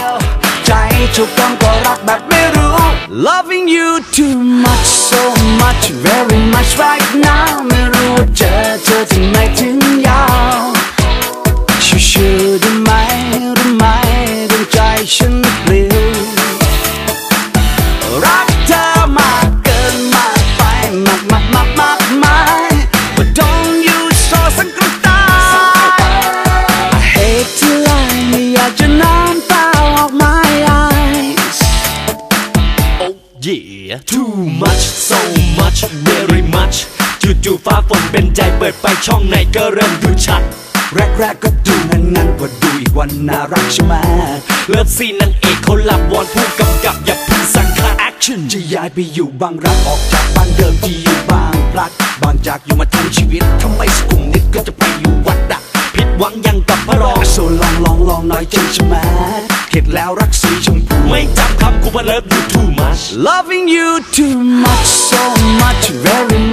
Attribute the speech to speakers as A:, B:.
A: ใจถูกต้องก็รักแบบไม่รู้ Loving you too much so much very much right now ไม่รู้ว่าเจอที่ไหนถึงยาวชิวๆได้ไหมดวงใจฉันปลิวรักเธอมากเกินมากไปมาก But don't you so สังกตาย I hate to lie ไม่อยากจะน้ำตาออก my eyes
B: Oh yeah too much so much very much จู่ๆฟ้าฝนเป็นใจเปิดไปช่องไหนก็เริ่มดูชัด
A: แรกก็ดูงั้นพอดูอีกวันน่ารักใช่ไหม
B: เลิฟซีนนางเอกเขาหลับวอนผู้กำกับอย่าเพิ่งสั่งค่าแอคชั่น
A: จะย้ายไปอยู่บางรักออกจากบ้านเดิมที่อยู่บางพลัดบางจากอยู่มาทั้งชีวิตทำไมสุขุมนิดก็จะไปอยู่วัดดัก
B: ผิดหวังยังกับพระรอง
A: โซลองน้อยใจใช่ไหมเข็ดแล้วรักสีชมพู
B: ไม่จำคำกูว่า love you too much
A: loving you too much so much very